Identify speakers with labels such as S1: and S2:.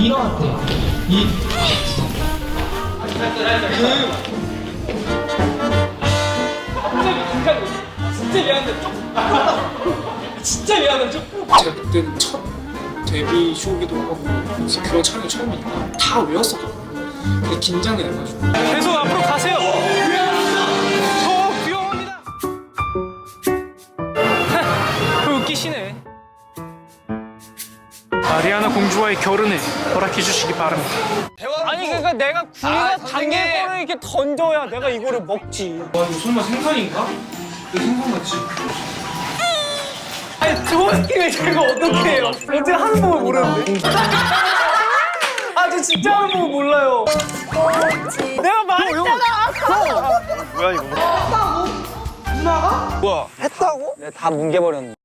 S1: 일어났대.
S2: 갑자기 긴장돼. 진짜 미안한데 진짜 미안한데
S3: 제가 그때는 첫 데뷔 쇼기도 하고 그래서 그런 촬영이 처음이니까 다 외웠었거든요. 근데 긴장이 돼가지고
S2: 계속 앞으로 가세요. 저 귀여웁니다. 웃기시네. 마리아나 공주와의 결혼을 허락해 주시기 바랍니다. 아니 그러니까 내가 구이가 당길 거를 이렇게 던져야 내가 이거를 먹지.
S3: 와 이거 설마 생선인가? 이거 생선 같지?
S2: 아니 저 느낌을 제가 어떻게 해요? 어떻게 하는 법을 모르는데. 아 저 진짜 하는 법을 몰라요. 내가 말했잖아.
S4: 뭐야 이거? 누나가? 뭐야?
S5: 내가 다 뭉개버렸는데.